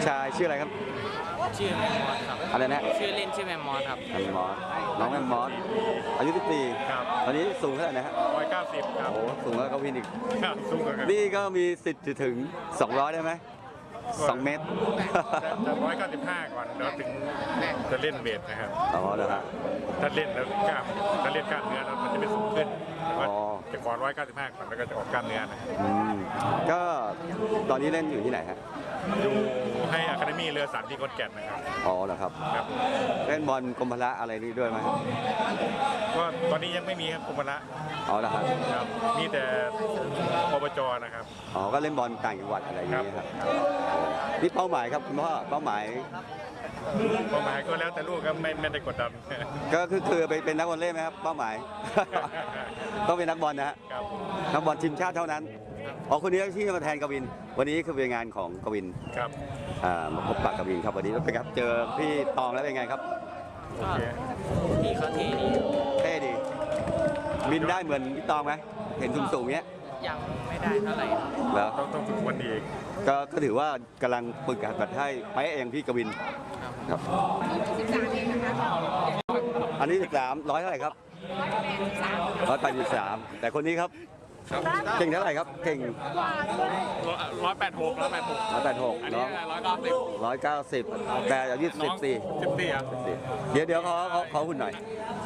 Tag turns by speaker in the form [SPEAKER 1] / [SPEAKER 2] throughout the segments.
[SPEAKER 1] ชายชื่ออะไรครับ
[SPEAKER 2] ชื่อแมมมอสครับ
[SPEAKER 1] อะไรนะ
[SPEAKER 2] ชื่อเล่นชื่อแมมมอสครับ
[SPEAKER 1] แมมมอสน้องแมมมอสอายุ14
[SPEAKER 3] ครับ
[SPEAKER 1] ตอนนี้สูงเท่าไหร่นะฮะ
[SPEAKER 3] 190ครับ
[SPEAKER 1] โอ้สูงแล้วก็วินอีก
[SPEAKER 3] ครับสูงกว่ากัน
[SPEAKER 1] นี่ก็มีสิทธิ์จะถึง200ได้ไหม2 เมตร
[SPEAKER 3] จะ195ก่อนแล้วถึงจะเล่นเวทนะครับ
[SPEAKER 1] อ๋อเหรอฮะ
[SPEAKER 3] ถ้าเล่นแล้วกล้ามถ้าเล่นกล้ามเนื้อแล้วมันจะไม่สูงขึ้นแต่ว่า
[SPEAKER 1] อ๋อ
[SPEAKER 3] จะก่อน195ก่อนแล้วก็จะออกกล้ามเนื้อนะ
[SPEAKER 1] ก็ตอนนี้เล่นอยู่ที่ไหนฮะ
[SPEAKER 3] อยู่ให้อะคาเดมี่เรือสันที่ขอนแก่นนะครับ
[SPEAKER 1] อ๋อเหรอครับ
[SPEAKER 3] ครับ
[SPEAKER 1] เล่นบอลกรมพละอะไรนี่ด้วยไหม
[SPEAKER 3] ก็ตอนนี้ยังไม่มีครับกรมละ
[SPEAKER 1] อ๋อเหรอครับ
[SPEAKER 3] ครับมีแต่ปปจนะครับ
[SPEAKER 1] อ๋อก็เล่นบอลต่างจังหวัดอะไรอย่างเงี้ยครับนี่เป้าหมายครับคุณพ่อเป้าหมาย
[SPEAKER 3] ก็แล้วแต่ลูกครับไม่ได้กดดัน
[SPEAKER 1] ก็คือไปเป็นนักบอลเล่นไหมครับเป้าหมาย ต้องเป็นนักบอลนะฮะนักบอลทีมชาติเท่านั้นอ๋อคนนี้ที่มาแทนกวินวันนี้คือเป็นงานของกวิน
[SPEAKER 3] ครับ
[SPEAKER 1] มาพบปะกวินครับวันนี้เป็นครับเจอพี่ตองแล้วเป็นไงครับ
[SPEAKER 2] ก็พี่เขาเท่ดี
[SPEAKER 1] เท่ดีบินได้เหมือนพี่ตองไหมเห็นสูงๆเงี้ย
[SPEAKER 2] ยังไม่ได้เท่าไหร่
[SPEAKER 1] แล้ว
[SPEAKER 3] ต้องฝึกวันอีก
[SPEAKER 1] ก็ถือว่ากำลังฝึกหัดให้ไปเองพี่กวินครับ13เองนะคะอันนี้13ร้อยเท่าไหร่ครับ183แต่คนนี้ครับเก่งเท่าไหร่ครับเก่ง
[SPEAKER 3] 186อันนี้
[SPEAKER 1] 190แต่อายุ14
[SPEAKER 3] ครับ
[SPEAKER 1] เดี๋ยวขอหุ่นหน่อย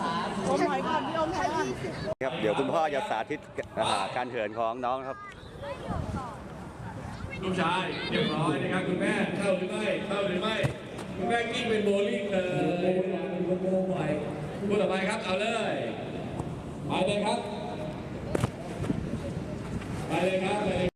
[SPEAKER 1] ครับเดี๋ยวคุณพ่อจะสาธิตการเหินของน้องครับ
[SPEAKER 4] ลูกชายเรียบร้อยนะครับคุณแม่เข้าหรือไม่คุณแม่กิ้งเป็นโบลิ่งเลยพูดต่อไปครับเอาเลยไปเลยครับ